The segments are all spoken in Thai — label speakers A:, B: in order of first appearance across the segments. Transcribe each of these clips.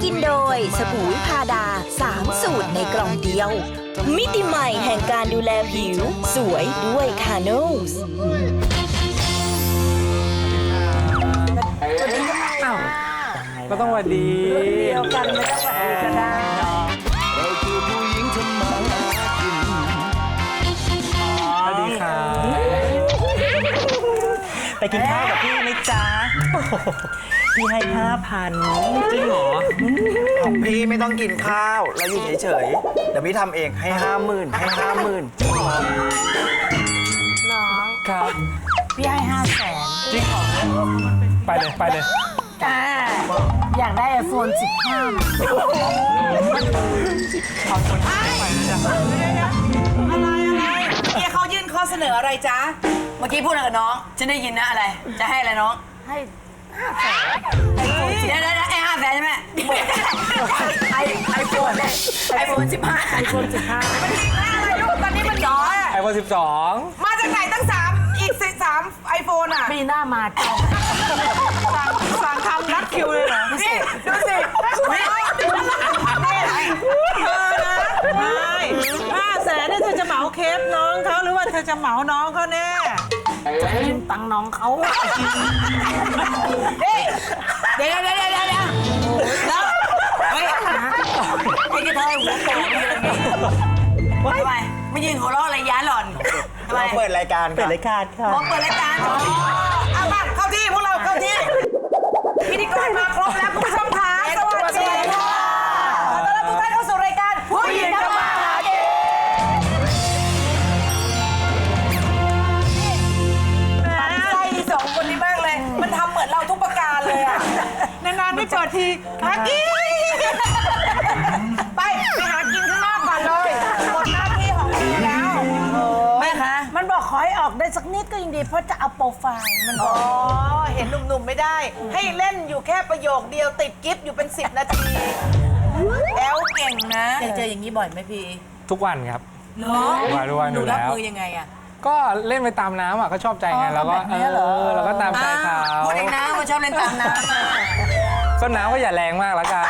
A: กินโดยสบู่วิพาดา3 สูตรในกล่องเดียว มิติใหม่แห่งการดูแลผิวสวยด้วยคาโนส
B: ก็ต้องหวัดดี
C: เดียวกันไม่ต้องหวัดดีก็ได้
D: เราคือผู้หญิงทำมาหากิน
B: สวัสดีครับไปกินข้าวกับพี่ไหมจ๊ะพี่ให้5,000จริงเหรอ
E: ของพี่ไม่ต้องกินข้าวแล้วอยู่เฉยๆเดี๋ยวพี่ทำเองให้50,000ให้50,000
C: น้อง
B: ครับ
C: พี่ให้500,000
B: จริงเหรอไปเลยไปเลย
C: จ้าอยากได้ iPhone 15นะ
B: ขอบคุณที่ไปนะจ๊ะ
F: อะไรเนี่ยเขายื่นข้อเสนออะไรจ๊ะ เมื่อกี้พูดอะไรกับน้อง ฉันได้ยินนะอะไร จะให้อะไรน้อง
C: ให้500,000
F: เดี๋ยวไอ้500,000ใช่ไหมไอโฟน15
C: iPhone 15
F: อะไรลูกตอนนี้มันน้อย
B: iPhone 12
F: มาจากไหนตั้ง3อีก3ไอโฟนอ่ะ
C: ปีหน้ามาจอง
F: สั่งทำนัดคิวเลยเหรอนี่ดูสิไม่
G: 500,000นี่เธอจะเหมาเคปน้องเขาหรือว่าเธอจะเหมาน้องเขาแน่
C: จะให้ยืมตังค์น้องเขา
F: เดี๋ยวแล้วเฮ้ยไอ้กระเทยหัวโตมีอะไรเงี้ยทำไมไม่ยืนหัวเราะอะไรย้าหล่อนทำไม
E: เปิดรายการ
B: เปิดรายการค่ะ
F: บอกเปิดรายการเอามาเข้าที่พวกเราเข้าที่พิธีกรมาครบแล้วคุณผู้ชมค่ะสวัสดีค่ะขอต้อนรับทุกท่านเข้าสู่รายการผู้หญิงทำมาหากินใจสองคนนี้มากเลยมันทำเหมือนเราทุกประการเลยอ่ะ
G: นานๆไม่เปิดทีหากิน
F: ไปหากินข้างนอกก่อนเลยหมดหน้าที่ของพี่แล้วแม่คะ
C: มันบอกขอให้ออกได้สักนิดก็ยังดีเพราะจะเอาโปรไฟล์มันบ
F: อ๋
C: อ
F: อก เห็นหนุ่มๆไม่ได้ ให้เล่นอยู่แค่ประโยคเดียวติดกิฟต์อยู่เป็น10 นาทีแอลเก่งนะเจออย่างนี้บ่อยไหมพี่
B: ทุกวันครับ
F: เนาะ
B: ทุกวัน
F: ห
B: อ
F: นู
B: ยู่
F: รับ
B: แล้ว
F: มือยังไงอะ
B: ก็เล่นไปตามน้ำอ่ะก็ชอบใจไงแล้วก็แล้วก็ตามใจเขา
F: พูดเองนะว่าชอบเล่นตามน้ำอะ
B: ก็น้ำก็อย่าแรงมากละกัน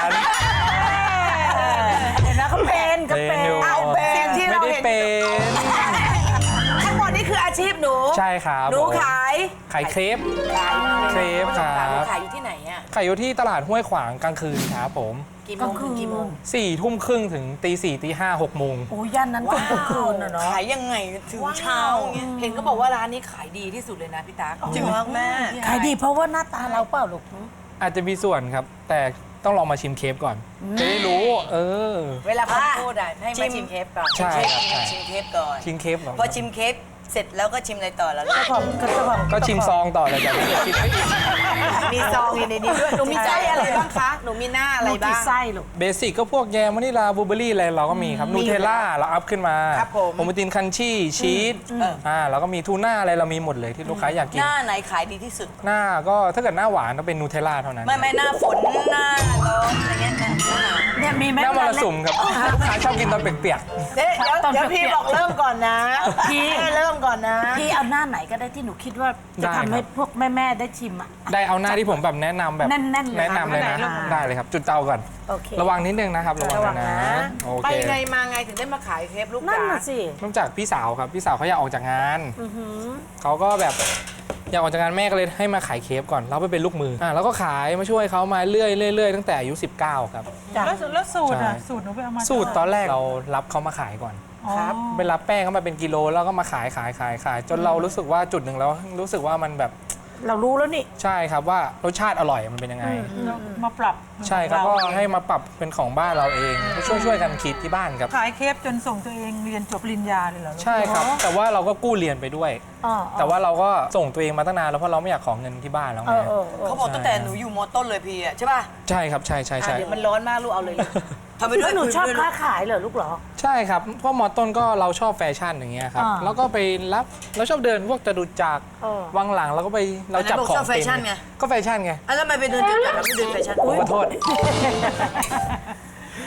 C: เห็นนะเขาเป็นก็เป็น
B: อยู่
F: เอาเป็นที่
B: ไม่
F: เรา
B: ได้
F: เห็น
B: เป็น
F: ทั้งหมดนี่คืออาชีพหนู
B: ใช่ครับ
F: หนูขาย
B: ขายเครปเครปครับ
F: ขายอยู่ที่ไหนอะ
B: ขายอยู่ที่ตลาดห้วยขวางกลางคืนครับผม
F: กี่โมงถึงกี่โมง
B: 4 ทุ่มครึ่งถึงตี4ตี5 6 โมง
C: โอ้ย่านนั้นคนกลางคืนอะเนาะ
F: ขายยังไงถึงเช้าเงี้ยเห็นก็บอกว่าร้านนี้ขายดีที่สุดเลยนะพี่ตั๊กจริงเหรอแม่
C: ขายดีเพราะว่าหน้าตาเราเปล่าลูก
B: อาจจะมีส่วนครับ แต่ต้องลองมาชิมเครปก่อน จะได้รู้
F: เวลาคนพูดอะให้มาชิมเคปก่อน
B: ใช่ครับใช่
F: ชิมเคปก่อน
B: ชิมเครปก่อน
F: พอชิมเคปเสร็จแล้วก็ชิมอะไรต่อแล้ว
C: เจ้าของเจ้าของ
B: ก็ชิมซองต่อเลยจ้ะไม่ได้ชิมไม่อิ่ม
F: มีซองอยู่ในนี้ด้วยหนูมีไส้อะไรบ้างคะหนูมีหน้าอะไร
C: ลูก
F: บ้า
C: กี่
F: ง
C: ไส้ลูก
B: เบสิกก็พวกแยมวานิลาบลูเบอร์รี่อะไรเราก็มีครับนูเทลล่าเราอัพขึ้นมา
F: ครับผม
B: โอมาตินคันชี่ชีสแล้วก็มีทูน่าอะไรเรามีหมดเลยที่ลูกค้าอยากกิ
F: ห
B: น
F: น้าไหนขายดีที่สุด
B: หน้าก็ถ้าเกิดหน้าหวานก็เป็นนูเทลล่าเท่านั้น
F: ไม่หน้าฝนหน้าร้อนอะไรเงี้ยหน้าหนาว
C: เนี่ยมีไหม
B: หน้ามรสุมครับลูกค้าชอบกินตอนเปียก
F: เดี๋ยวพี่บอกเริ่มก่อนนะพี่เริ่มก่อนนะ
C: พี่เอาหน้าไหนก็ได้ที่หนูคิดว่าจะทำให้พวกแม่ๆได้ชิมอ่ะ
B: ๆได้เอาหน้าที่ผมแบบแนะนำแบบ
C: แน่นๆเลย
B: แนะนำเลยนะ
C: ค่ะ
B: ได้เลยครับ จุดเตาก่อน
C: โอเค
B: ระวังนิดนึงนะครับระวัง
C: ระวัง
B: นะ
C: นะ
B: โอ
F: ไป
B: เค
F: ไงมาไงถึงได้มาขายเคปลูก
C: นั่น
F: จ๋า
C: น่ะสิ
B: เริ่มจากพี่สาวครับพี่สาวเขาอยากออกจากงานเขาก็แบบอยากออกจากงานแม่ก็เลยให้มาขายเคปก่อนเราไปเป็นลูกมือแล้วก็ขายมาช่วยเขามาเรื่อยๆตั้งแต่อายุ19ครับ
G: แล้วสูตรอ่ะ
B: ใช่
G: สูตรหนูไปเอามา
B: สูตรตอนแรกเรารับเขามาขายก่อน
G: ครับ
B: ไปรับแป้งเขามาเป็นกิโลแล้วก็มาขายจนเรารู้สึกว่าจุดหนึ่งแล้วรู้สึกว่ามันแบบ
C: เรารู้แล้วนี่
B: ใช่ครับว่ารสชาติอร่อยมันเป็นยังไง
G: แล้วมาปรับ
B: ใช่ครับก็ให้มาปรับเป็นของบ้านเราเองช่วยกันคิดที่บ้านครับ
G: ขายเคปจนส่งตัวเองเรียนจบปริญญาเลยเหรอลูก
B: ใช่ครับ แต่ว่าเราก็กู้เรียนไปด้วย
C: อ๋อ
B: แต่ว่าเราก็ส่งตัวเองมาตั้งนานแล้วเพราะเราไม่อยากขอเงินที่บ้านแล้วไง
F: เขาบอกตั้งแต่หนูอยู่มอต้นเลยพี่อะใช่ป่ะ
B: ใช่ครับใช่
F: เดี๋ยวมันร้อนมากลูกเอาเลยลูกทำไปด้
C: แล้ว วย หนูชอบค้าขายเหรอลูกเหรอ
B: ใช่ครับเพราะมอต้นก็เราชอบแฟชั่นอย่างเงี้ยครับ
C: อ่า
B: แล้วก็ไปรับเราชอบเดินพวกจตุจักร
C: เออ
B: วังหลังเราก็ไปเราจับของ
F: ชอบแฟชั่นไง
B: ก็แฟชั่นไง
F: แล้วทำไมไปเดินจุดจัดแล้วไม่เดินแฟชั่น
B: ขอโทษ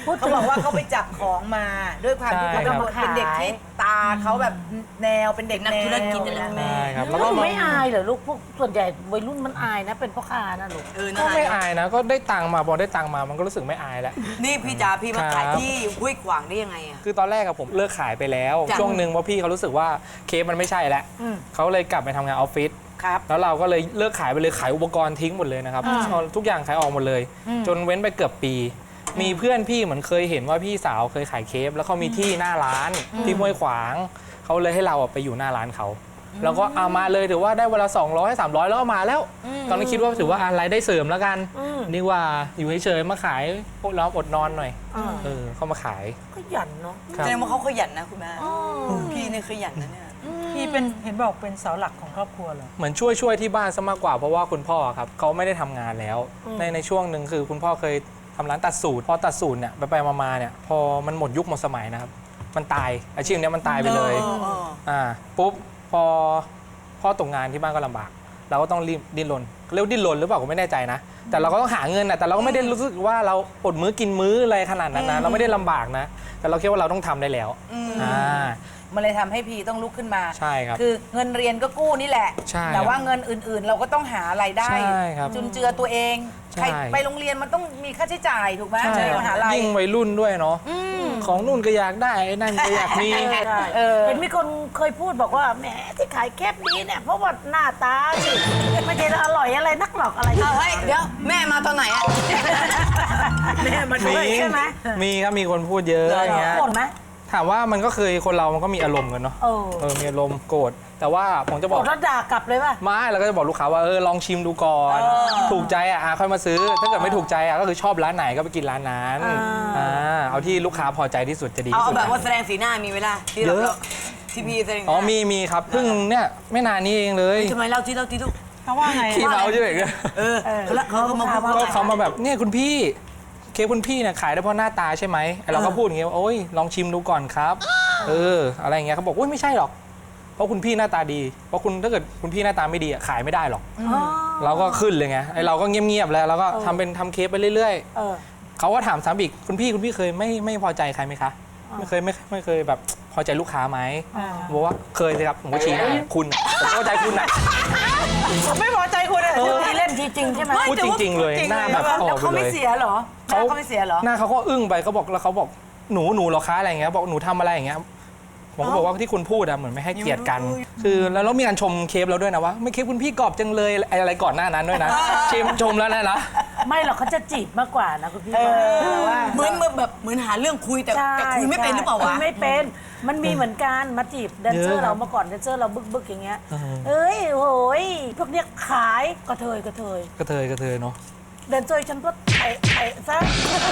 F: เขาบอกว่าเขาไปจับของมาด้วยความที่
B: ใช่
F: เขา
B: ครับ
F: เป็นเด็กที่ตาเขาแบบแนวเป็นเด็กนักธุรกิจนั่นแหละแม่
B: ใช่ครับ
C: แล้
B: แล้ว วก็
C: ไม่อายเหรอลูกพวกส่วนใหญ่วัยรุ่นมันอายนะเป็นพ่อค้านะลูก
B: ก็ไม่อายนะก็ได้ตังค์มาพอได้ตังค์มามันก็รู้สึกไม่อายแล้ว
F: นี่พี่จ๋าพี่มาขาย
B: ครับ
F: ที่ห้วยขวางได้ยังไงอ่ะ
B: คือตอนแรกอะผมเลิกขายไปแล้ว
F: จ้ะ
B: ช่วงหนึ่งเพราะพี่เขารู้สึกว่าเคสมันไม่ใช่แล้วเขาเลยกลับไปทำงานออฟฟิศ
F: ครับ
B: แล้วเราก็เลยเลิกขายไปเลยขายอุปกรณ์ทิ้งหมดเลยนะครับเอาทุกอย่างขายออกหมดเลย จนเว้นไปเกือบปี มีเพื่อนพี่เหมือนเคยเห็นว่าพี่สาวเคยขายเคฟแล้วเขามีที่หน้าร้านที่ห้วยขวางเขาเลยให้เราอะไปอยู่หน้าร้านเขาแล้วก็เอามาเลยถือว่าได้เวลา200 300แล้วก็มาแล้ว ตอนนี้คิดว่าถือว่าอะไรายได้เสริมแล้วกันดีกว่าอยู่เฉยๆมาขายพวกเราอดนอนหน่อยเข้ามาขาย
C: ก็หยันเนาะ
B: ครับ
F: แสดงว่าเขาขยันนะคุณแม่พี่เนี่ยขยันนะเนี่ย
G: พี่เป็นเห็นบอกเป็นเสาหลักของครอบครัวเหรอ
B: เหมือนช่วยที่บ้านซะมากกว่าเพราะว่าคุณพ่อครับเขาไม่ได้ทำงานแล้วในช่วงหนึ่งคือคุณพ่อเคยทำร้านตัดสูตรพอตัดสูตรเนี่ยไปมาเนี่ยพอมันหมดยุคหมดสมัยนะครับมันตายอาชีพเนี้ยมันตายไปเลยปุ๊บพอพ่อตกงานที่บ้านก็ลำบากเราก็ต้องรีบดิ้นรนเรียกดิ้นรนหรือเปล่าผมไม่แน่ใจนะแต่เราก็ต้องหาเงินนะแต่เราก็ไม่ได้รู้สึกว่าเราอดมื้อกินมื้ออะไรขนาดนั้นนะเราไม่ได้ลำบากนะแต่เราคิดว่าเราต้องทำได้แล้ว
F: มันเลยทำให้พี่ต้องลุกขึ้นมา
B: ใช่ครับ
F: คือเงินเรียนก็กู้นี่แหละ
B: ใช่
F: แต่ว่าเงินอื่นๆ เราก็ต้องหารายได้
B: ใช่ครับ
F: จุนเจือตัวเอง
B: ใช่
F: ใครไปโรงเรียนมันต้องมีค่าใช้จ่ายถูกไหม
B: ใช่
F: ใช่
B: ครับ
F: มหาลัย
B: ยิ่งวัยรุ่นด้วยเนาะของนู่นก็อยากได้ไอ้นั่นก็อยากมี
C: เห็นมีคนเคยพูดบอกว่าแหมที่ขายแคบนี้เนี่ยเพราะว่าหน้าตาสิไม่ใช่อร่อยอะไรนักหรอกอะไร
F: เฮ้ยเดี๋ยวแม่มาตอนไหนอะ
C: แม่มาด้วยใช่ไหม
B: มีครับมีคนพูดเยอะอย่างเงี้ย
C: โกรธไหม
B: ถามว่ามันก็เคยคนเรามันก็มีอารมณ์กันเนาะมีอารมณ์โกรธแต่ว่าผมจะบ
C: โก
B: อ
C: ร
B: ก
C: ธแล้วด่ากลับเลยป่ะ
B: ไม่เราก็จะบอกลูกค้าว่าลองชิมดูก่อนถูกใจค่อยมาซื้อ ถ้าเกิดไม่ถูกใจก็คือชอบร้านไหนก็ไปกินร้านนั้นเอาที่ลูกค้าพอใจที่สุดจะดี
F: เอา
B: ที่สุด
F: แบบว่าแสดงสีหน้ามีเวลาที่
B: เย
F: เรา
B: อะ
F: ที่พี่แสดง
B: อ๋อมีครับเพิ่งเนี่ยไม่นานนี้เองเลย
F: ทำไมเล่าที่ลูก
G: เขาว่าไง
B: ขี้เมาใช่ไหม
F: เขามาพูด
B: ก็เขามาแบบเนี่ยคุณพี่เค้กคุณพี่เนี่ยขายได้เพราะหน้าตาใช่ไหมเราก็พูดอย่างเงี้ยว่าโอ้ยลองชิมดูก่อนครับอะไรอย่างเงี้ยเขาบอกโอ้ยไม่ใช่หรอกเพราะคุณพี่หน้าตาดีเพราะคุณถ้าเกิดคุณพี่หน้าตาไม่ดีขายไม่ได้หรอกเราก็ขึ้นเลยไงไอเราก็เงียบๆแล้วเราก็ทำเค้กไปเรื่อยๆเขาก็ถามซ้ำอีกคุณพี่เคยไม่พอใจใครไหมคะไม่เคยแบบพอใจลูกค้าไหมบอกว่าเคยสิครับผมก็ชี้หน้าคุณผมก็พอใจคุณน่ะ
G: ไม่พอใจคุณอะ
C: ทีเล่นทีจริงใช่ไหม
B: พูดจริงๆเลยหน้าแบบออกไป
F: เขา
B: เล
F: ไม่
B: ย
F: เสียเหรอเขาไม่เสียเหรอ
B: หน้าเขาก็อึ้งไปเขาบอกแล้วเขาบอกหนูเหรอคะอะไรอย่างเงี้ยบอกหนูทำอะไรอย่างเงี้ยผมก็บอกว่าที่คุณพูดเหมือนไม่ให้เกียรติกัน คือแล้วเรามีการชมเค้กเราด้วยนะว่าไม่เค้กคุณพี่กรอบจังเลยอะไรก่อนหน้านั้นด้วยนะชมแล้วนะ
C: ไม่หรอกเขาจะจีบมากกว่านะคุณพี่
F: เหมือนหาเรื่องคุยแต่คุยไม่เป็นหรือเปล่าวะ
C: คุยไม่เป็น มันมีเหมือนกันมาจีบแดนเซอร์เราเมื่อก่อนแดนเซอร์เราบึกๆอย่างเงี้ยเอ้ยโหยพวกเนี้ยขายกระเทย
B: กระเทยเนาะ
C: แดนเซอร์ฉันก็ไอ้ซะ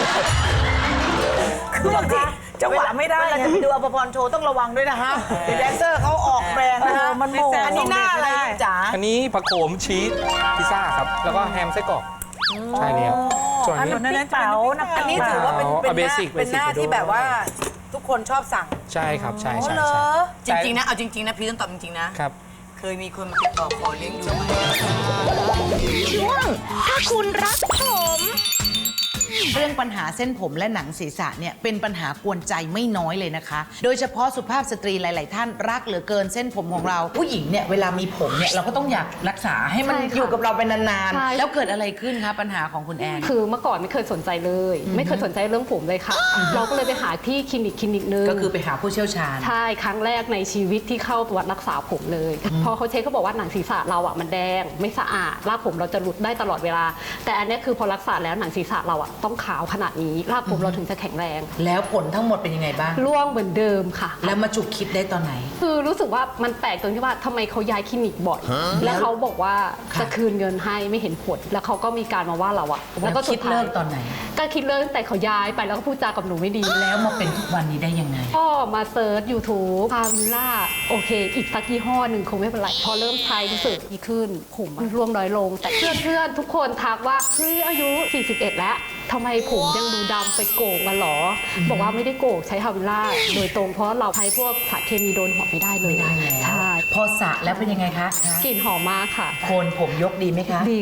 F: คือบางทีจังหวะไม่ได้เราจะไปดูอภพรโชว์ต้องระวังด้วยนะฮะแดนเซอร์เขาออกแรงนะฮะ
C: มันโม
F: อันนี้หน้าอะไรจ๋า
B: อันนี้ผักโขมชีสพิซซ่าครับแล้วก็แฮมไส้กรอกใช่แล้วส่วน
C: อัน
B: นี้
C: นี้เป๋านะ
F: อันนี้ถือว่าเป็น
B: เอา basic
F: เป็นหน้า
B: basic
F: ที่แบบว่าทุกคนชอบสั่ง
B: ใช่ครับใช่
F: จริงๆนะเอาจริงๆนะพี่ต้องตอบจริงๆนะครับ เคยมีคนมาติดต่อขอเลี้ยงดูไหม
A: ช่วงถ้าคุณรักผม
H: เรื่องปัญหาเส้นผมและหนังศีรษะเนี่ยเป็นปัญหากวนใจไม่น้อยเลยนะคะ โดยเฉพาะสุภาพสตรีหลาย ๆ ท่านรักเหลือเกินเส้นผมของเรา ผู้หญิงเนี่ยเวลามีผมเนี่ยเราก็ต้องอยากรักษาให้มัน
I: ใช่ค่ะ
H: อยู่กับเราเป็นนาน
I: ใช่
H: ๆ แล้วเกิดอะไรขึ้นคะปัญหาของคุณแอน
I: คือเมื่อก่อนไม่เคยสนใจเลย ไม่เคยสนใจเรื่องผมเลยค่ะ เราก็เลยไปหาที่คลินิกนึง
H: ก็คือไปหาผู้เชี่ยวชาญ
I: ใช่ครั้งแรกในชีวิตที่เข้าตรวจรักษาผมเลย พอเขาเช็คเขาบอกว่าหนังศีรษะเราอ่ะมันแดงไม่สะอาดรากผมเราจะหลุดได้ตลอดเวลา แต่อันเนี้ยคือพอรักษาแล้วหนังศีรษะเราอ่ะต้องขาวขนาดนี้รากผมเราถึงจะแข็งแรง
H: แล้วผลทั้งหมดเป็นยังไงบ้าง
I: ร่วงเหมือนเดิมค่ะ
H: แล้วมาจุกคิดได้ตอนไหน
I: คือรู้สึกว่ามันแปลกตรงที่ว่าทำไมเขาย้ายคลินิกบ่อย แล้วเขาบอกว่าจะคืนเงินให้ไม่เห็นผล แล้วเขาก็มีการมาว่าเราอะ
H: แล้วคิดเลิกตอนไหน
I: ก็คิดเลิกตั้งแต่เขาย้ายไปแล้วก็พูดจากับหนูไม่ดี
H: แล้วมาเป็นทุกวันนี้ได้ยังไง
I: ก็มาเซิร์ช YouTube พาวิลล่าโอเค อีกสักยี่ห้อหนึ่งคงไม่เป็นไร พอเริ่มใช้รู้สึกดีขึ้นผมมันร่วงน้อยลง แต่เพื่อนๆทุกคนทักว่าเฮ้ยอายุ 41 แล้วทำไมผมยังดูดำไปโกงกันหรอ บอกว่าไม่ได้โกงใช้ฮาวิลล่าโดยตรงเพราะเราใช้พวกสารเคมีโดนหัวไม่ได้เลย
H: ไม่ได้แล้ว
I: ใช่
H: พอสระแล้วเป็นยังไงคะ
I: กลิ่นหอมมากค่ะ
H: โคนผมยกดีไหมคะ
I: ดีค่ะ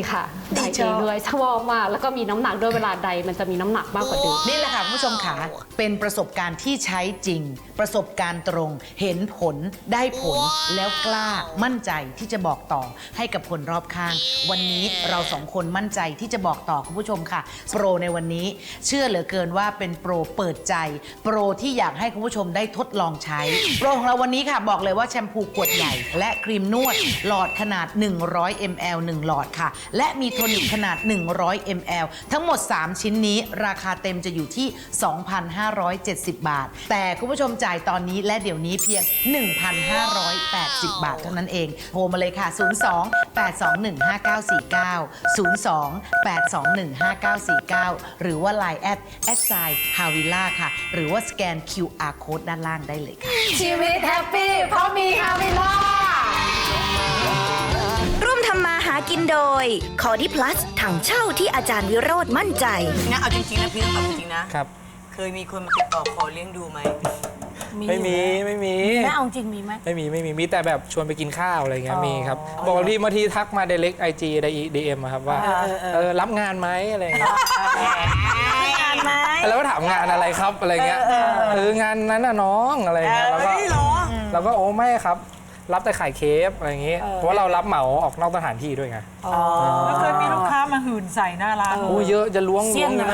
I: ไดเองด้วยชอบมากแล้วก็มีน้ำหนักด้วยเวลาใดมันจะมีน้ำหนักมากกว่าเดิม
H: นี่แหละค่ะคุณผู้ชมค่ะเป็นประสบการณ์ที่ใช้จริง ประสบการณ์ตรงเห็นผลได้ผลแล้วกล้ามั่นใจที่จะบอกต่อให้กับคนรอบข้าง วันนี้เราสองคนมั่นใจที่จะบอกต่อคุณผู้ชมค่ะโปรในวันนี้เชื่อเหลือเกินว่าเป็นโปรเปิดใจโปรที่อยากให้คุณผู้ชมได้ทดลองใช้โปรของเราวันนี้ค่ะบอกเลยว่าแชมพูขวดใหญ่และครีมนวดหลอดขนาด100 ml 1 หลอดค่ะและมีโทนิกขนาด100 ml ทั้งหมด 3 ชิ้นนี้ราคาเต็มจะอยู่ที่ 2,570 บาทแต่คุณผู้ชมจ่ายตอนนี้และเดี๋ยวนี้เพียง 1,580 บาทเท่านั้นเองโทรมาเลยค่ะ 02-821-5949 หรือว่า Line @hawila ค่ะหรือว่าสแกน QR code ด้านล่างได้เลยค่ะ
A: ชีวิตแฮปปี้เพราะมีฮาวิล่าร่วมทำมาหากินโดยคอดิพลัสถังเช่าที่อาจารย์วิโรธมั่นใจ
F: นะเอาจริงๆนะพี่ต้องตอบจริงๆนะ
B: ครับ
F: เคยมีคนมาติดต่อขอเลี้ยงดูไหม
B: ไม่มี
C: แม่เอาจริงมีไหม
B: มีแต่แบบชวนไปกินข้าวอะไรเงี้ยมีครับบอกบางทีทักมา direct IG DM อะครับว่ารับงานไหมอะไรเงี้ย
C: งานไหม
B: แล้วก็ถามงานอะไรครับอะไรเงี้ยงานนั้นน่ะน้องอะไรเงี้ยแล้วก็โอ้ไม่ครับ รับแต่ขายเคฟอะไรเงี้ยเพราะว่าเรารับเหมาออกนอกสถานที่ด้วยไง
G: แล้วเคยมีลูกค้ามาหื่นใส่หน้าร้าน
B: โอ้เยอะจะล้วง
C: เสี่ยง
B: นะ
C: นะ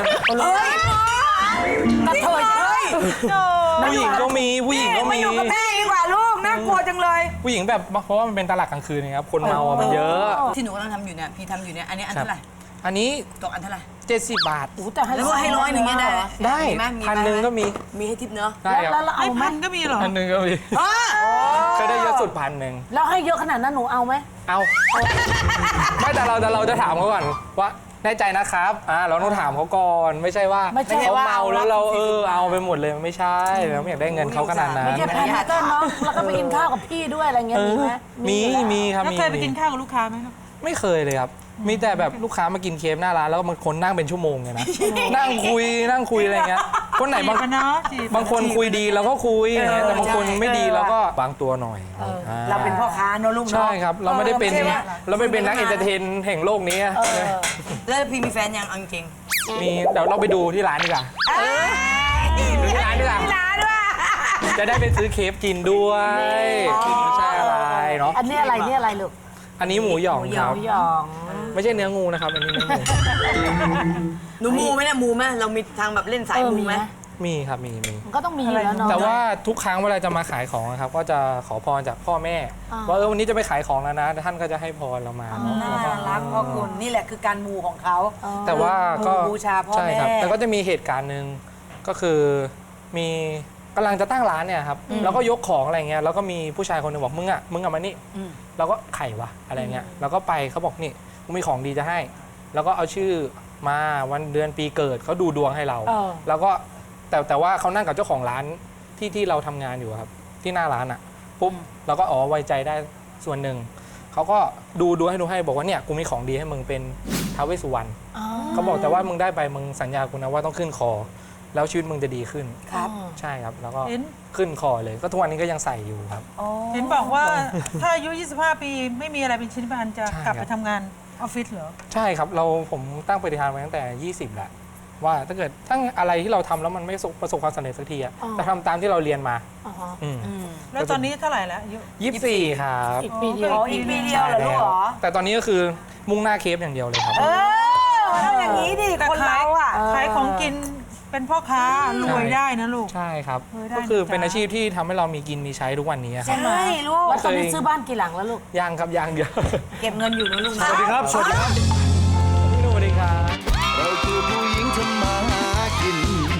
C: กระเทย
B: ผู้หญิงก็มีผู้หญิงก็
F: มา
B: มี
F: อยู่กับแม่ดีกว่าลูกน่ากลัวจังเลย
B: ผู้หญิงแบบเพราะว่ามันเป็นตลาดกลางคืนนะครับคนเมาอะมันเยอะ
F: ที่หนูกำลังทำอยู่เนี่ยพี่ทำอยู่เนี่ยอันนี้อันเท่าไหร่
B: อันนี้
F: ตกอันเท่าไหร่
B: 70 บาท
C: แต่ให้
F: แล้วก็ให้100เนี่ยได้
B: ได้
F: มีไหมมีไหม
B: 1,000ก็มี
F: มีให้ทิปเนาะ
B: ได้ครับ
C: แล้วเรา
G: ไอ้
C: เอาไหม
G: พันก็มีเหรอ
B: 1,000ก็มีเคยได้เยอะสุด1,000
C: แล้วให้เยอะขนาดนั้นหนูเอาไหม
B: เอาไม่แต่เราจะถามเขาก่อนว่าแน่ใจนะครับเราต้องถามเขาก่อนไม่ใช่ว่าเขาเมาแล้วเราเอาไปหมดเลยไม่ใช่เราไม่อยากได้เงินเขาขนาดนั้น
C: ไม่ใช่แพนเตอร์น้องแล้วก็ไปกินข้าวกับพี่ด้วยอะไรเงี้ยมีไหม
B: มีครับ
G: แล้ว
B: มี
G: เคยไปกินข้าวกับลูกค้าไหมครับ
B: ไม่เคยเลยครับมีแต่แบบลูกค้ามากินเคฟหน้าร้านแล้วมันคนนั่งเป็นชั่วโมงเลยนะนั่งคุยอะไรเงี้ยคนไหนบาง
G: จีบกันเนอะจีบ
B: บางคนคุยดีเราก็คุยอย่างเงี้ยแต่บางคนไม่ดีเราก็วางตัวหน่อย
F: เราเป็นพ่อค้าเนอะลูกเนาะ
B: ใช่ครับเราไม่ได้เป็น
F: ใช่ไหม
B: เราไม่เป็นนักเอนเตอร์เทนแห่งโลกนี้
F: แล้วพี่มีแฟนยังเอาจริง
B: มีเดี๋ยวเราไปดูที่ร้านดีกว่าดูที่ร้านดีกว่า
F: ร้านด้วย
B: จะได้ไปซื้อเคฟกินด้วยไม่ใช่อะไรเนาะ
C: อันนี้อะไรนี่อะไรลูก
B: อันนี้หมูหยองครับ
C: หยอง
B: ไม่ใช่เนื้องูนะครับอันนี้เนื้องู
F: หนูมูไหมเนี่ยมูไหมเรามีทางแบบเล่นสายมูไหม
B: มีครับมี
C: มันก็ต้องมีอยู่แล้วเนาะ
B: แต่ว่าทุกครั้งเวลาจะมาขายของนะครับก็จะขอพรจากพ่อแม่ว่าวันนี้จะไปขายของแล้วนะท่านก็จะให้พรเรามาเนาะ
F: น่ารักพ่อคุณนี่แหละคือการมูของเขา
B: แต่ว่าก็
F: บูชาพ่อ
B: ใช่ครับ
F: แม่
B: แต่ก็จะมีเหตุการณ์หนึ่งก็คือมีกำลังจะตั้งร้านเนี่ยครับแล้วก็ยกของอะไรเงี้ยแล้วก็มีผู้ชายคนหนึงบอกมึงอะมานี่เราก็ไขวะอะไรเงี้ยเราก็ไปเขาบอกนี่กูมีของดีจะให้แล้วก็เอาชื่อมาวันเดือนปีเกิดเขาดูดวงให้เรา แล้วก็แต่ว่าเขานั่งกับเจ้าของร้านที่เราทำงานอยู่ครับที่หน้าร้านอ่ะปุ๊บเราก็ไว้ใจได้ส่วนหนึ่งเขาก็ดูให้บอกว่าเนี่ยกูมีของดีให้มึงเป็นท้าวเวสสุวรรณเขาบอกแต่ว่ามึงได้ไปมึงสัญญากูนะว่าต้องขึ้นคอแล้วชีวิตมึงจะดีขึ้น
F: ครับ
B: ใช่ครับแล้วก็
G: เห็น
B: ขึ้นคอเลยก็ทุกวันนี้ก็ยังใส่อยู่ครับ
G: เห็นบอกว่าถ้าอายุ 25 ปีไม่มีอะไรเป็นชิ้นเป็นอันจะ
B: ใช่
G: กลับ
B: ครั
G: ไป
B: บ
G: ทำงานออฟฟิศเหรอ
B: ใช่ครับผมตั้งปฏิฐานไว้ตั้งแต่20แหละว่าถ้าเกิดอะไรที่เราทำแล้วมันไม่ประสบความสำเร็จสักทีอะจะทำตามที่เราเรียนมาอืม
G: แล้วตอนนี้เท่าไหร่แล้วอายุ
B: 24ครับ
C: อีกปีเดียว
F: อีกปีเดียวเหรอลูกเหรอ
B: แต่ตอนนี้ก็คือมุ่งหน้าเคฟอย่างเดียวเลยครับ
F: ต้องอย่างนี้ดิ
G: แต่
F: คนเราอ่ะ
G: ขายของกินเป็นพ่อค้ารวยได้นะลูก
B: ใช่ครับ
G: ได้
B: ก็คือ
G: นะจ๊ะ
B: เป็นอาชีพที่ทำให้เรามีกินมีใช้ทุกวันนี้ครับ
F: ใช่ลูก
C: แล้วตอนนี้ซื้อบ้านกี่หลังแล้วลูก
B: ยังครับยังเดียว
F: เก็บเงินอยู่นะลูกนะ
B: สวัสดีครับพี่หนุ่มสวัสดีครับ
D: เราคือผู้หญิงทำมาหากิน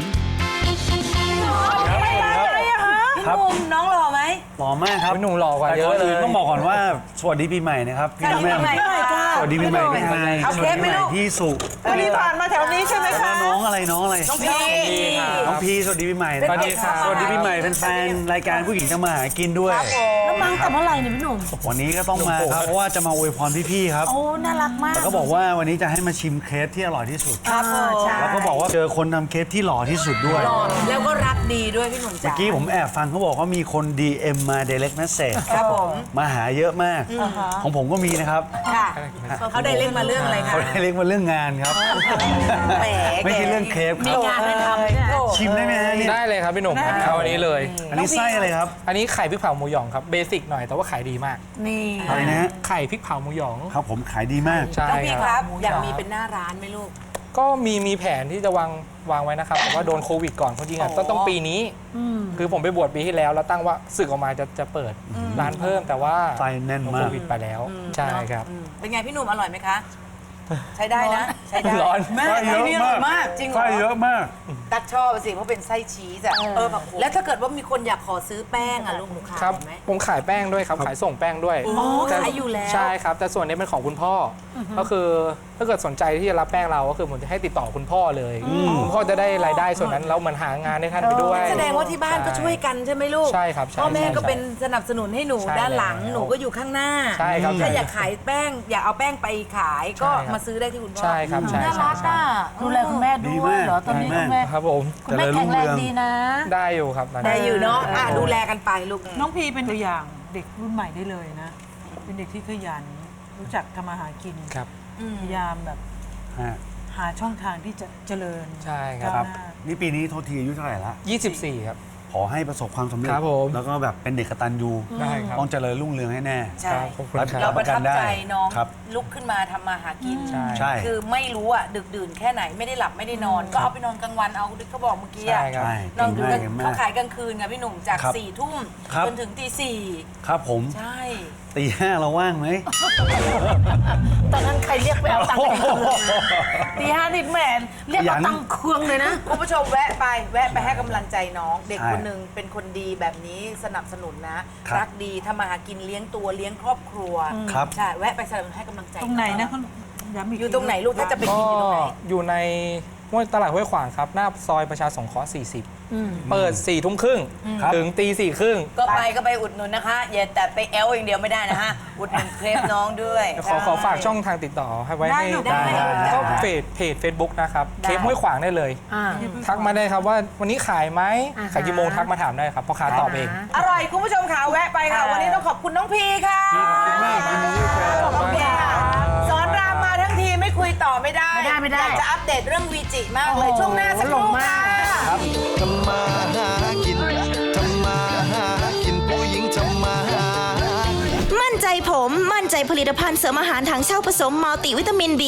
F: พี่หนุ่มน้องหล่อไหม
J: หล่อมากครับ
B: พี่หนุ่มหล่อกว่า
J: แต่
B: เย
J: ก่อ
B: อะ
J: น
B: เล
J: อื่
B: ย
J: นต้องบอกก่อนว่าสวัสดีปีใหม่นะครับพี่น้องแม่
F: สวัสดีปีใหม่ค่ะ
J: สวัสดีปีใหม่พี่ไฮ
F: เอา
J: ส
F: เค้
J: วัส
F: ก
J: ดี
F: ไหม
J: ปีใหม่
F: ลูก
J: พี่สุ
G: วันนี้ผ่านมาแถวนี้ใช่ไหม
J: แล้ว
G: คะ
J: น้องอะไรน้องอะไร
F: น้องพี่
J: น้องพีสวัสดีปีใหม่นะ
B: สวัสดีครับ
J: สวัสดีปีใหม่แฟนๆรายการผู้หญิงทำมาหากินด้วย
C: แล้วมาตั้งแต่เมื่อไหร่เนี่ยพี่หนุ่ม
J: วันนี้ก็ต้องมาครับเพราะว่าจะมาอวยพรพี่ๆครับ
C: โอ้ น่ารักมาก
J: แล้วก็บอกว่าวันนี้จะให้มาชิมเครปที่อร่อยที่สุด
F: ครับผม
J: แล้วก็บอกว่าเจอคนทำเครปที่หล่อที่สุดด้วย
F: แล้วก็รักดีด้วยพี่หนุ่ม
J: เมื่
F: จ๋า
J: อกี้ผมแอบฟังเขาบอกว่ามีคน DM มา direct message
F: ครับผม
J: มาหาเยอะมาก ของผมก็มีนะครับ
F: ค่ะเขาได้เล่นมาเรื่องอะไรคะ
J: เขาได้เรียกว่าเรื่องงานครับ
F: แหม
J: ไม่ใช่เรื่องเคฟค
C: มี
J: รับ
C: งานให้ทำเนี่ย
J: ชิมได้ไหมฮะเนี่ย
B: ได้เลยครับพี่หนุ่มเอาอันนี้เลย
J: อันนี้ไส้อะไรครับ
B: อันนี้ไข่พริกเผาหมูหยองครับเบสิกหน่อยแต่ว่าขายดีมาก
C: นี่
J: อะไรนะฮะ
B: ไข่พริกเผาหมูหยอง
J: ครับผมขายดีมาก
B: ใช่
F: น้องพี่
B: ค
F: ค
B: รั
F: รับ บ อยากมีเป็นหน้าร้านไหมลูก
B: ก็มีแผนที่จะวางไว้นะครับแต่ว่าโดนโควิดก่อนเพราะจริงๆต้องปีนี้คือผมไปบวชปีที่แล้วแล้วตั้งว่าสึกออกมาจะเปิดร้านเพิ่มแต่ว่า
J: ไส้แน่นมาก
B: โควิดไปแล้วใช่ครับ
F: เป็นไงพี่หนุ่มอร่อยไหมคะ ใช้ได้นะ ใช้ได้
B: ร้อน
F: แม่
J: ไส้เยอะ
F: นี่อร่อยมากจริงเหร
J: ไส้
F: อ
J: เยอะมาก
F: ตักชอบสิเพราะเป็นไส้ชีสอะแล้วถ้าเกิดว่ามีคนอยากขอซื้อแป้งอะลูกหนูขาย
B: ครับ
F: ไหม
B: ผมขายแป้งด้วยครับขายส่งแป้งด้วย
F: อ๋อ
B: แต่
F: ขายอยู่แล้ว
B: ใช่ครับ แต่ส่วนนี้เป็นของคุณพ่ออก็คือถ้าเกิดสนใจที่จะรับแป้งเราก็คือผมจะให้ติดต่อคุณพ่อเลยคุณพ่อจะได้รายได้ส่วนนั้นแล้วเหมือนหางานให้ท่านไปด้วย
F: แสดงว่าที่บ้านก็ช่วยกันใช่ไหมลูก
B: ใช่ครับใช่
F: พ่อแม่ก็
B: ใช่
F: เป็นสนับสนุนให้หนู
B: ใช่
F: ด้านหลัง
B: แล้ว
F: หนูก็อยู่ข้างหน้า
B: ใช่ครับ
F: ถ้า
B: ใช่
F: อยากขายแป้งอยากเอาแป้งไปขายก็
B: ใช่ครับ
F: มาซื้อได้ที่คุณพ่อ
B: ใช่ครับใช่
C: น่า
B: ใช่
C: รัก
B: ใช่
C: อ่ะดูแลคุณแม่ด้วยเหรอตอนนี้
J: ดีมาก
C: คุณแม่
B: ครับผม
C: คุณแม่แข็งแรงดีนะ
B: ได้อยู่ครับตอนนี้
F: ได้อยู่เนาะดูแลกันไปลูก
G: น้องพีเป็นตัวอย่างเด็กรุ่นใหม่ได้เลยนะ เป็นเด็กที่ขยัน รู้จักทำมาหากิน
B: ครับ
G: พยายามแบบ
J: ฮะ
G: หาช่องทางที่จะเจริญ
B: ใช่ครับ
J: ครับ
G: ก้าวหน้า
J: นี่ปีนี้โทษทีอายุเท่าไหร่ละ
B: 24 ครับ
J: ขอให้ประสบความสำเร็จ
B: ครับผม
J: แล้วก็แบบเป็นเด็กกตัญญู
B: ได้ครับ
J: ต้องเจริญรุ่งเรืองให้แน่
F: ใช่
B: ขอบคุณค
F: เรา
B: รับ
F: ประทับใจน้อง
J: ครับ
F: ลุกขึ้นมาทำมาหากิน
B: ใช่
J: ใช่
F: คือไม่รู้อะดึกดื่นแค่ไหนไม่ได้หลับไม่ได้นอน ก็เอาไปนอนกลางวันเอาเขาบอกเมื่อกี้
B: ใช่
F: อะ
B: ครับ
J: ใช่
F: ลองดู
J: เก่งมาก
F: เขาขายกลางคืนไงพี่หนุ่มจาก
J: ครับ
F: 4 ทุ่ม
J: ครับ
F: จนถึงตี
J: ครับผม
F: 4ใช่
J: ตีห้าเราว่างไหม
C: ตอนนั้นใครเรียกไปเอาตังค์ไปคืนตีห้านี่แหมเรียกเอาตังค์เครื่องเลยนะ
F: คุณผู้ชมแวะไปให้กำลังใจน้อง เด็ก
J: ใช่
F: คนหนึ่งเป็นคนดีแบบนี้สนับสนุนนะ
J: ครับ
F: รักดีทำมาหากินเลี้ยงตัวเลี้ยงครอบครัว
J: ครับ
F: ใช่แวะไปสนับสนุนให้กำลังใจ
G: ตรงไหนนะ
F: อง
G: คุณย้ำอีก
F: อยู่ตรงไหนลูกถ้าจะไป
B: ก็
F: กินอยู่ตรงไหน
B: อยู่ในตลาดห้วยขวางครับ หน้าซอยประชาสงเคราะห์40 เปิด 4 ทุ่มครึ่ง
J: ครับ
B: ถึงตี 4 ครึ่ง
F: ก็ไปอุดหนุนนะคะ อย่าแต่ไปแอลอย่างเดียวไม่ได้นะฮะ อุดหนุนเครปน้องด้วย
B: ขอฝากช่องทางติดต่อให้ไว้ให้
F: ได้
B: ก็เพจ Facebook นะครับ เคปห้วยขวางได้เลย ทักมาได้ครับว่าวันนี้ขายไหมขายกี่โมงทักมาถามได้ครับพ่อค้าตอบเอง
F: อร่อยคุณผู้ชมค่ะแวะไปค่ะ วันนี้ต้องขอบคุณน้องพีค่ะ ขอบคุณค่ะสอนรามมาทั้งทีไม่คุยต่อไม่ได้
C: ไม่ได้
F: อยากจะอัปเดตเรื่องวีจิมากเลยช่วงหน้าสักครู่ค่ะ
D: ทำมาหากิน ทำมาหากินผู้หญิงทำมาหา
A: มั่นใจผม มั่นใจผลิตภัณฑ์เสริมอาหารทางเช่าผสมมัลติวิตามิน B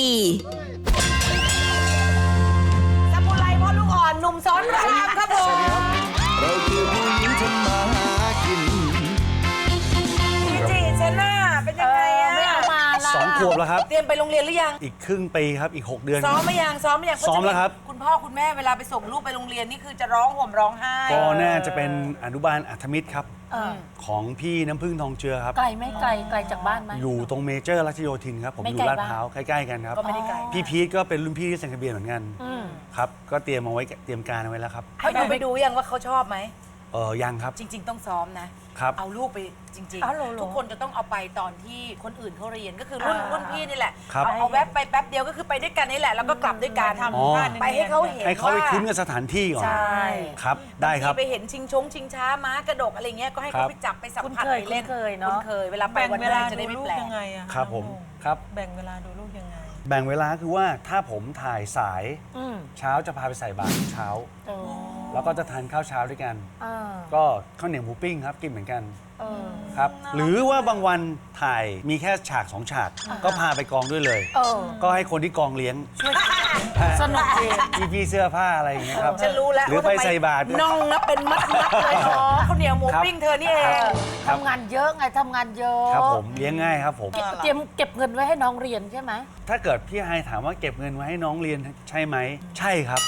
F: สมุไรพ่อลูกอ่อนหนุ่มสอนรามครับผม
D: เราคือผู้หญิงทำมาหากิน
F: วีจิเชน่าเป็นยังไงอะ
C: ไม่เอามาละ
J: 2 ขวบแล้วครับ
F: เตรียมไปโรงเรียนหรือยัง
J: อีกครึ่งปีครับ อีก 6 เดือน
F: ซ้อมไหมยังซ้อมไหมยัง
J: ซ้อมแล้วครับ
F: คุณพ่อคุณแม่เวลาไปส่งลูกไปโรงเรียนนี่คือจะร้องห่มร้องไห้
J: ก็น่าจะเป็นอนุบาลอัธมิตรครับ
C: เออ
J: ของพี่น้ำพึ่งทองเจือครับ
C: ไกลไหม่ไกลจากบ้านไหม
J: อยู่ตรงเมเจอร์รัชโยธินครับ ผม
C: ไม่
J: อ
C: ไกล
J: ยู่ลาด
C: บ้าน
J: พร้าวใกล้ๆกันครับ
F: ก็ไม่ได้ไกล
J: พี่พีทก็เป็นรุ่นพี่ที่เซ็นทะเบียนเหมือนกันครับ ก็เตรียมเอาไว้เตรียมการเอาไว้แล้วครับ
F: ให้ดูไปดูยังว่าเขาชอบไหม
J: ยังครับ
F: จริง ๆ ต้องซ้อมนะ
J: ครับ
F: เอาลูกไปจริง
C: อ๋อเหรอ
F: ๆ ทุกคนจะต้องเอาไปตอนที่คนอื่นเขาเรียนก็คือรุ่นพี่นี่แหละ
J: ครับ
F: เอาแวบไปแป๊บเดียวก็คือไปด้วยกันนี่แหละแล้วก็กลับด้วยกัน
J: อ๋อ
F: ไปให้เขาเห็น
J: ให้เขาไป
F: ว่า
J: คุ้นกับสถานที่ก่อน
F: ใช่
J: ครับ ได้ครับ
F: างทีไปเห็นชิงช้าม้ากระดกอะไรเงี้ยก็ให้
J: ครั
F: เขา
J: บ
F: ไปจับไปสัมผัส
C: คุ้นเคย
F: ไปเล่น
C: คุ้นเคยเนอะ
F: คุ้นเคยเวลาไป
G: แบ่ง
F: วัน
G: เว
F: แร
G: ลาก
F: จะ
G: ดู
F: ได้ไม่
G: ลูก
F: แปลก
G: ยังไงอะ
J: ครับผม
G: น้องโม
J: ครับ
G: แบ่งเวลาดูลูกยังไง
J: แบ่งเวลาคือว่าถ้าผมถ่ายสาย
C: อืม
J: เช้าจะพาไปใส่บาตรเช้า
C: เออ
J: แล้วก็จะทานข้าวเช้าด้วยกัน
C: เออ
J: ก็ข้าวเหนียวหมูปิ้งครับกินเหมือนกัน
C: เออ
J: ครับ หรือว่าบางวันถ่ายมีแค่ฉาก 2 ฉาก ก็พาไปกองด้วยเลย
C: เออ
J: ก็ให้คนที่กองเลี้ยง
C: สนุกดี
J: พี่เสื้อผ้าอะไรอย่างเงี้ยครับ
F: ฉันรู้แล้ว
J: หรือ
F: ว่า
J: ไป
F: ทำม
J: ใส่บาตร
F: น่องนะเป็นมัดเลยอ๋อข้าวเหนียวหมู
J: ครับ
F: ปิ้งเธอนี่เอง
J: ครับ
C: ทำงานเยอะไงทำงานเยอะ
J: ครับผมเลี้ยงง่ายครับผม
C: เตรียมเก็บเงินไว้ให้น้องเรียนใช่ไหม
J: ถ้าเกิดพี่ไฮถามว่าเก็บเงินไว้ให้น้องเรียนใช่ไหม ใช่ครับ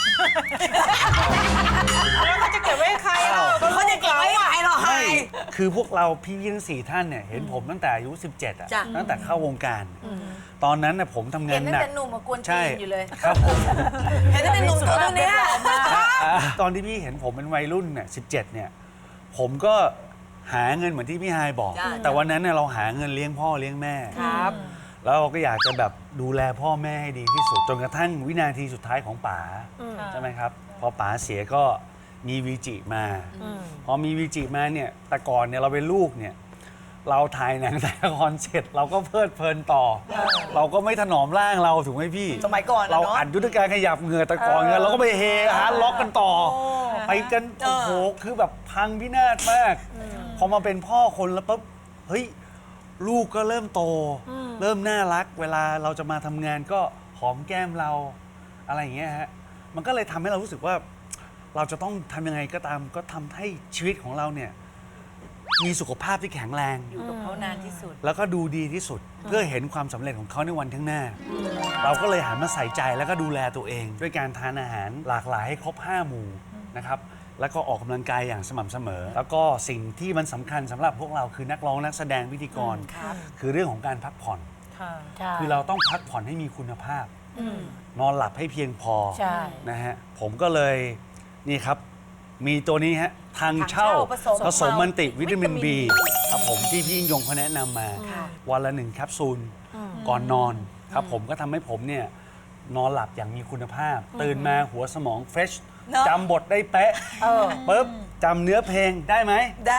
G: แล้วเขาจะเก็บไว้ให้ใครเรา
F: เขาจะเก็บไว้ไหนหรอไฮ
J: คือพวกเราพี่ทั้ง4ท่านเนี่ยเห็นผมตั้งแต่อายุ 17อ่ะ
F: จ้ะ
J: ตั้งแต่เข้าวงการ ตอนนั้นน่ะผมทำงา
F: เห็
J: น
F: นตั้ง
J: หนัก
F: แต่หนุ่มมากวน
J: ใช่
F: จีนอยู่เลย
J: ครับผม
F: เห็นตั้งแต่หนุ่มตัวเนี้ย
J: ตอนที่พี่เห็นผมเป็นวัยรุ่นเนี่ย17เนี่ยผมก็หาเงินเหมือนที่พี่ไฮบอก
F: จ้ะ
J: แต่วันนั้นเนี่ยเราหาเงินเลี้ยงพ่อเลี้ยงแม่
F: ครับ
J: แล้วเราก็อยากจะแบบดูแลพ่อแม่ให้ดีที่สุดจนกระทั่งวินาทีสุดท้ายของป๋าใช่ไหมครับพอป๋าเสียก็มีวีจิมา พอมีวีจิมาเนี่ยแต่ก่อนเนี่ยเราเป็นลูกเนี่ยเราถ่ายหนังถ่ายละครเสร็จเราก็เพลิดเพลินต่อ เราก็ไม่ถนอมร่างเราถูกไหมพี่
F: สมัยก่อน
J: เรา
F: เนาะ
J: อัดยุทธการขยับเหงื่อตะกอนกันเราก็ไปเฮฮาร์ดล็อกกันต่อ ไปกันโอ้โหคือแบบพังพินาศมาก พอมาเป็นพ่อคนแล้วปุ๊บเฮ้ยลูกก็เริ่มโต เริ่มน่ารัก เวลาเราจะมาทำงานก็หอมแก้มเราอะไรอย่างเงี้ยฮะมันก็เลยทำให้เรารู้สึกว่าเราจะต้องทำยังไงก็ตามก็ทำให้ชีวิตของเราเนี่ยมีสุขภาพที่แข็งแรง
F: อยู่กับเขานานที่สุด
J: แล้วก็ดูดีที่สุดเพื่อเห็นความสำเร็จของเขาในวันข้างหน้า เราก็เลยหันมาใส่ใจแล้วก็ดูแลตัวเอง ด้วยการทานอาหารหลากหลายให้ครบ 5 หมู่นะครับแล้วก็ออกกำลังกายอย่างสม่ำเสมอ แล้วก็สิ่งที่มันสำคัญสำหรับพวกเราคือนักร้องนักแสดงพิธีกร คือเรื่องของการพักผ่อน คือเราต้องพักผ่อนให้มีคุณภาพ นอนหลับให้เพียงพอ
C: ใช่
J: นะฮะผมก็เลยนี่ครับมีตัวนี้ฮะทางเช่าผสมมันติวิตามิน B ครับผมที่พี่ยิ่งยงเขาแนะนำมา วันละ1 แคปซูลก่อนนอนครับผมก็ทำให้ผมเนี่ยนอนหลับอย่างมีคุณภาพ ตื่นมาหัวสมองเฟรชจำบทได้เป๊ะปุ๊บจำเนื้อเพลงได้ไหม
F: ได้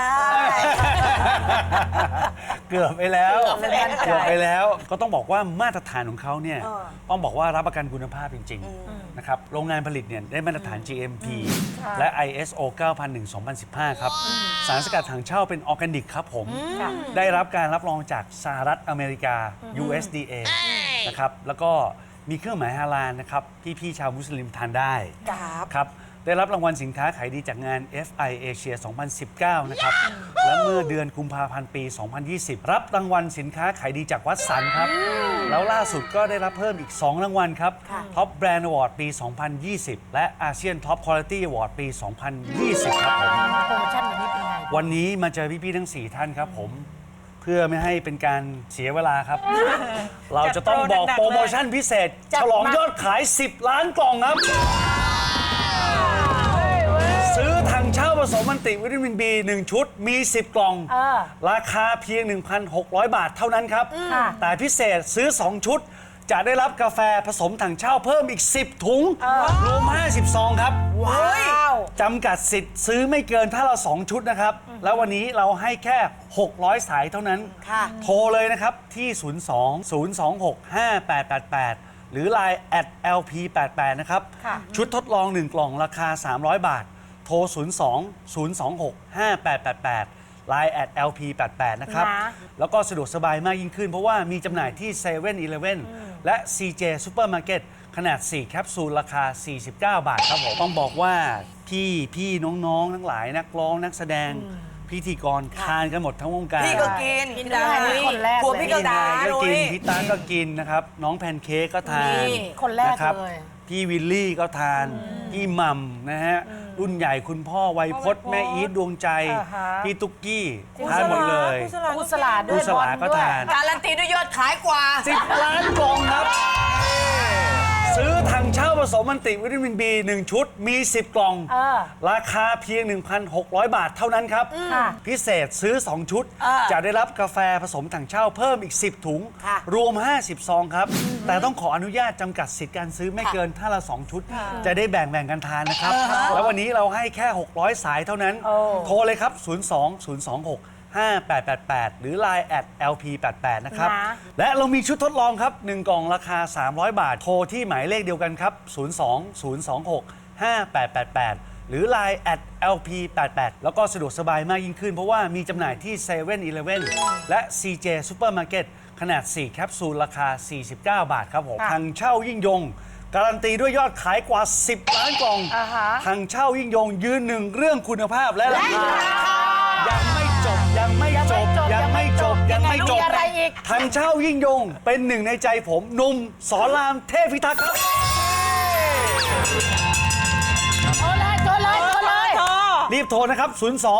J: เกือบไปแล้วก็ต้องบอกว่ามาตรฐานของเขาเนี่ยต้องบอกว่ารับประกันคุณภาพจริงๆนะครับโรงงานผลิตเนี่ยได้มาตรฐาน GMP และ ISO 9001:2015 ครับสารสกัดถังเช่าเป็นออร์แกนิกครับผมได้รับการรับรองจากสหรัฐอเมริกา USDA นะครับแล้วก็มีเครื่องหมายฮาลาลนะครับพี่ๆชาวมุสลิมทานได้ครับได้รับรางวัลสินค้าขายดีจากงาน FI Asia 2019 นะครับและเมื่อเดือนกุมภาพันธ์ปี 2020 รับรางวัลสินค้าขายดีจากวัดสันครับแล้วล่าสุดก็ได้รับเพิ่มอีก 2 รางวัลครับ Top Brand Award ปี 2020 และ ASEAN Top Quality Award ปี 2020 ครับผม
C: โปรโมชั่นวันนี้เป็นไง
J: วันนี้มาเจอพี่ๆทั้ง 4 ท่านครับผมเพื่อไม่ให้เป็นการเสียเวลาครับ เราจะต้องบอกโปรโมชั่นพิเศษฉลองยอดขาย 10 ล้านกล่องครับซื้อถังเช่าผสมมันติวิตามิน B 1 ชุดมี 10 กล่องราคาเพียง 1,600 บาทเท่านั้นครับแต่พิเศษซื้อ 2 ชุดจะได้รับกาแฟผสมถังเช่าเพิ่มอีก 10 ถุงรวม50 ซองครับจำกัดสิทธิ์ซื้อไม่เกินถ้าเรา 2 ชุดนะครับแล้ววันนี้เราให้แค่ 600 สายเท่านั้นโทรเลยนะครับที่ 02-026-5888 หรือ Line @lp88 นะครับชุดทดลอง 1 กล่องราคา 300 บาทโทร 02-026-5888 Line @lp88 นะครับแล้วก็สะดวกสบายมากยิ่งขึ้นเพราะว่ามีจำหน่ายที่ 7-Eleven และ CJ Supermarket ขนาด 4 แคปซูลราคา 49 บาทครับผมต้องบอกว่าพี่น้องๆทั้งหลายนักร้องนักแสดงพิธีกรทานกันหมดทั้งวงการ
F: พี่ก็กินพี่ดา
C: คนแรก
F: ผัวพี่ก็ดา
J: ก็กินพี่ตาก็กินนะครับน้องแพนเค้กก็ทาน
C: คนแรก
J: นะครับ
C: เลย
J: พี่วิลลี่ก็ทานพี่หม่ำนะฮะรุ่นใหญ่คุณพ่อไวยพจน์แม่อีทดวงใจพี่ตุ๊กกี้ทานหมดเลย
C: กุสลาด้วย
J: กุศลาก็ทาน
F: การันตีด้วยยอดขายกว่า
J: 10 ล้านกล่องครับ ซื้อถังเช่าผสมมันติวิตามิน B 1 ชุดมี 10 กล่องราคาเพียง 1,600 บาทเท่านั้นครับพิเศษซื้อ 2 ชุดจะได้รับกาแฟผสมถังเช่าเพิ่มอีก 10 ถุงรวม 50 ซองครับแต่ต้องขออนุญาตจำกัดสิทธิ์การซื้อไม่เกินถ้าละ 2 ชุดจะได้แบ่งกันทานนะครับแล้ววันนี้เราให้แค่ 600 สายเท่านั้นโทรเลยครับ 02-026-5888 หรือ Line @lp88 นะครับและเรามีชุดทดลองครับ 1 กล่องราคา 300 บาทโทรที่หมายเลขเดียวกันครับ 02-026-5888 หรือ Line @lp88 แล้วก็สะดวกสบายมากยิ่งขึ้นเพราะว่ามีจำหน่ายที่ 7-Eleven และ CJ Supermarket ขนาด 4 แคปซูลราคา 49 บาทครับผมทางเช่ายิ่งยงการันตีด้วยยอดขายกว่า 10 ล้านกล่องทางเช่ายิ่งยงยืนหนึ่งเรื่องคุณภาพและราคายังไม่จบทางเช่ายิ่งยงเป็นหนึ่งในใจผมหนุ่มสอนรามเทพพิทักษ์ครับรีบโทรนะครับ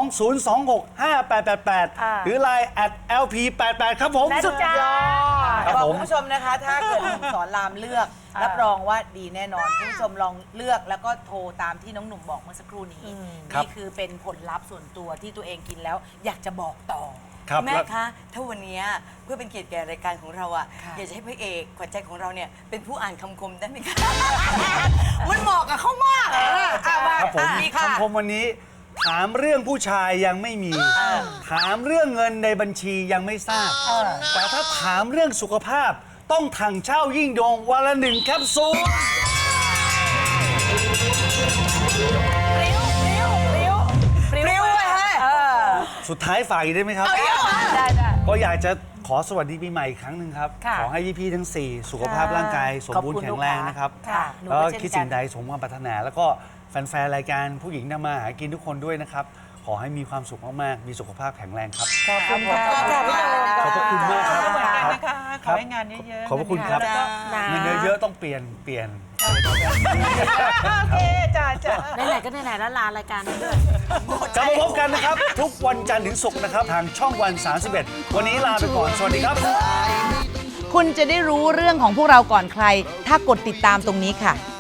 J: 02-026-5888 หรือ Line @lp88 ครับผมสุดยอด
F: บอกคุณผู้ชมนะคะ ถ้าเกิดหนุ่มสอนรามเลือกรับรองว่าดีแน่นอนคุณผู้ชมลองเลือกแล้วก็โทรตามที่น้องหนุ่มบอกเมื่อสักครู่นี้นี่คือเป็นผลลัพธ์ส่วนตัวที่ตัวเองกินแล้วอยากจะบอกต่อแม่คะถ้าวันนี้เพื่อเป็นเกียรติแก่รายการของเราอยากจะให้พระเอกขวัญใจของเราเนี่ยเป็นผู้อ่านคำคมได้ไหมคะ มันเหมาะกับเขามาก
J: ครับผมคำคมวันนี้ถามเรื่องผู้ชายยังไม่มี ถามเรื่องเงินในบัญชียังไม่ทราบ แต่ถ้าถามเรื่องสุขภาพต้องถังเช่ายิ่งยงวันละ1 แคปซูล
F: ปริ้วเลยฮะ
J: สุดท้ายฝากอีกได้ไหมครับ ก็อยากจะขอสวัสดีปีใหม่อีกครั้งหนึ่งครับ
F: ค่ะ
J: ขอให้พี่ๆทั้ง 4 สุขภาพร่างกายสมบูรณ์แข็งแรงนะครับ
F: ค่ะหนู
J: แล้ว
F: ก็
J: ก็
F: เช่นกัน
J: คิดสิ่งใดสมความปรารถนา แล้วก็แฟนๆรายการผู้หญิงทำมาหากินทุกคนด้วยนะครับ ขอให้มีความสุขมากๆ มีสุขภาพแข็งแรงครับ
C: ขอบคุณค่ะพี่โดม
J: ขอบพระคุณมากครับ
G: เหมือนกัน
J: ครับ
G: นะคะขอให้งานเยอะๆ
J: ขอบพระคุณครับ
G: แล้วก็
J: เงินเยอะๆต้องเปลี่ยน
G: โอเคจ้า
C: ไหนๆก็ไหนๆแล้วลารายการนี้ด้วย
J: กลับมาพบกันนะครับ ทุกวันจันทร์ถึงศุกร์นะครับ ทางช่องวัน 31 วันนี้ลาไปก่อน สวัสดีครับ
H: คุณจะได้รู้เรื่องของพวกเราก่อนใคร ถ้ากดติดตามตรงนี้ค่ะ